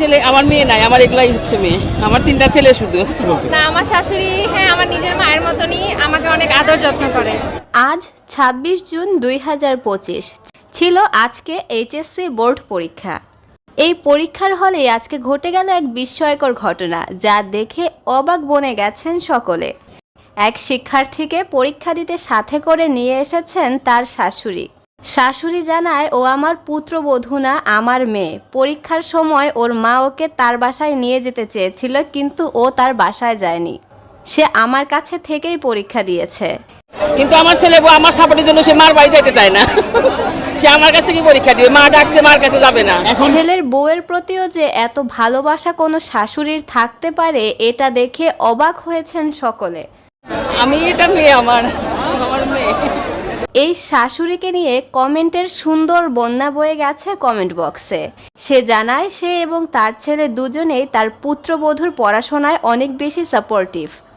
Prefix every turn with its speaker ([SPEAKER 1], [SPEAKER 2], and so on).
[SPEAKER 1] ছেলে, আমার মেয়ে নাই, আমার এগুলাই হচ্ছে মেয়ে। আমার 3টা ছেলে শুধু।
[SPEAKER 2] না, আমার শাশুড়ি হ্যাঁ আমার নিজের মায়ের মতনই আমাকে অনেক আদর যত্ন করে।
[SPEAKER 3] আজ ২৬ জুন ২০২৫ ছিল আজকে এইচএসসি বোর্ড পরীক্ষা। এই পরীক্ষার হলে আজকে ঘটে গেল এক বিস্ময়কর ঘটনা, যা দেখে অবাক বনে গেছেন সকলে। এক শিক্ষার্থীকে পরীক্ষা দিতে সাথে করে নিয়ে এসেছেন তার শাশুড়ি। শাশুড়ি জানায়, ও আমার পুত্রবধূ না, আমার মেয়ে। পরীক্ষার সময় ওর মা ওকে তার বাসায় নিয়ে যেতে চেয়েছিল, কিন্তু ও তার বাসায় যায়নি। সে আমার কাছে থেকেই পরীক্ষা দিয়েছে।
[SPEAKER 1] কিন্তু আমার ছেলে বউ আমার সাপোর্টের জন্য সে মার বাড়ি যেতে চায় না। সে আমার কাছ থেকে পরীক্ষা দিবে, মা ডাকছে, মার কাছে যাবে না।
[SPEAKER 3] ছেলের বউয়ের প্রতিও যে এত ভালোবাসা কোনো শাশুড়ির থাকতে পারে, এটা দেখে অবাক হয়েছেন সকলে।
[SPEAKER 1] আমি এটা মেয়ে, আমার মেয়ে।
[SPEAKER 3] এই শাশুড়িকে নিয়ে কমেন্টের সুন্দর বন্যা বয়ে গেছে কমেন্ট বক্সে। সে জানায়, সে এবং তার ছেলে দুজনেই তার পুত্রবধূর পড়াশোনায় অনেক বেশি সাপোর্টিভ।